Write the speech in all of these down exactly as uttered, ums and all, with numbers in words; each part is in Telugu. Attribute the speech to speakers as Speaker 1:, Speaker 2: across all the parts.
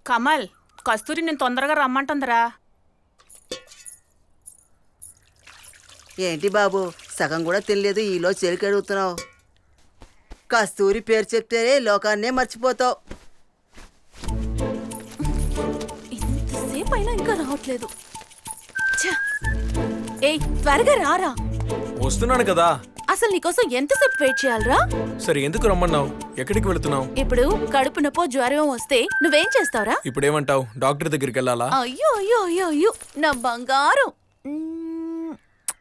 Speaker 1: కమల్, కస్తూరి నేను తొందరగా రమ్మంటుందిరా.
Speaker 2: ఏంటి బాబు, సగం కూడా తెలియదు ఈలో చెలికి అడుగుతున్నావు. కస్తూరి పేరు చెప్తేనే లోకాన్నే మర్చిపోతావు.
Speaker 3: ఇంతసేపు అయినా ఇంకా రావట్లేదు. ఏయ్ త్వరగా రారా.
Speaker 4: వస్తున్నాను కదా.
Speaker 3: అసలు నీకోసం ఎంతసేపు వెయిట్ చేయాలరా?
Speaker 4: సరే ఎందుకు రమ్మన్నావు? ఎక్కడికి వెళుతున్నావు?
Speaker 3: ఇప్పుడు కడుపు నొప్పో జ్వరం వస్తే నువ్వేం చేస్తావురా?
Speaker 4: ఇప్పుడు ఏమంటావు? డాక్టర్ దగ్గరికి వెళ్ళాలా?
Speaker 3: అయ్యో అయ్యో అయ్యో అయ్యో నా బంగారం. మ్మ్.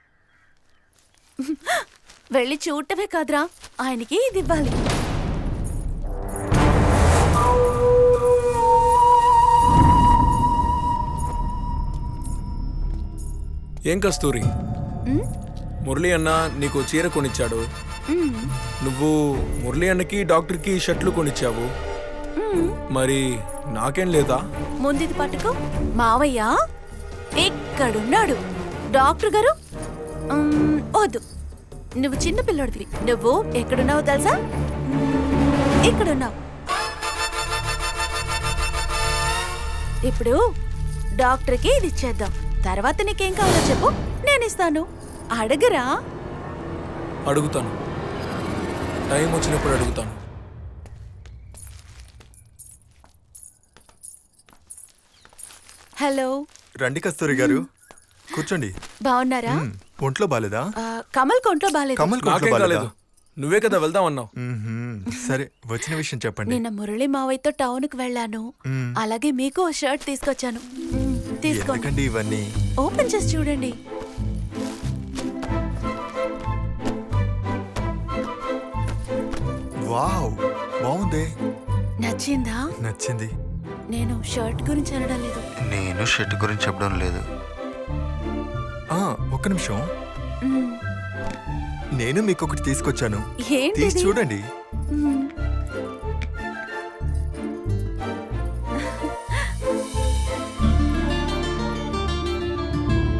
Speaker 3: వెళ్ళి చూడటమే కాదురా, ఆయనకి ఇది ఇవ్వాలి.
Speaker 4: ఏం కస్తూరి, మురళి అన్న నీకు చీర కొనిచ్చాడు. నువ్వు మురళి అన్నకి డాక్టర్కి షర్ట్లు కొనిచ్చావు. మరి నాకేం లేదా?
Speaker 3: ముందుది పట్టుకో. మావయ్య ఎక్కడున్నాడు? డాక్టర్ గారు మ్మ్, వద్దు, నువ్వు చిన్న పిల్లోడివి. నువ్వు ఎక్కడున్నావు తెలుసా? ఇక్కడున్నావు. ఇప్పుడు డాక్టర్కి ఇది ఇచ్చేద్దాం. తర్వాత నీకేం కావాలో చెప్పు, నేను ఇస్తాను. అడగరా?
Speaker 4: అడుగుతాను, టైం వచ్చినప్పుడు అడుగుతాను.
Speaker 3: హలో.
Speaker 5: రండి కస్తూరి గారు, కూర్చోండి.
Speaker 3: బాగున్నారా?
Speaker 5: మ్మ్, ఒంట్లో బాలేదా?
Speaker 3: ఆ, కమల్ కొంట్లో బాలేదు.
Speaker 5: కమల్ ఒంట్లో
Speaker 4: నాకేం
Speaker 5: బాలేదా?
Speaker 4: కాలేదు, నువ్వే కదా వెళ్దాం అన్నావు.
Speaker 5: మ్మ్హ్మ్. సరే, వచ్చిన విషయం చెప్పండి.
Speaker 3: నిన్న మురళి మావయ్యతో టౌన్ కు వెళ్ళాను.
Speaker 5: మ్మ్.
Speaker 3: అలాగే మీకు ఓ షర్ట్ తీసుకొచ్చాను. మ్మ్, తీసుకోండి.
Speaker 5: ఎందుకండి ఇవన్నీ?
Speaker 3: ఓపెన్ చేసి చూడండి.
Speaker 5: వావ్, బాగుంది.
Speaker 3: నచ్చిందా?
Speaker 5: నచ్చింది.
Speaker 3: నేను షర్ట్ గురించి అనడం లేదు.
Speaker 5: నేను షర్ట్ గురించి చెప్పడం లేదు. ఆ, ఒక్క నిమిషం.
Speaker 3: మ్మ్.
Speaker 5: నేను మీకు ఒకటి తీసుకొచ్చాను,
Speaker 3: ఏంటిది?
Speaker 5: తీసి చూడండి.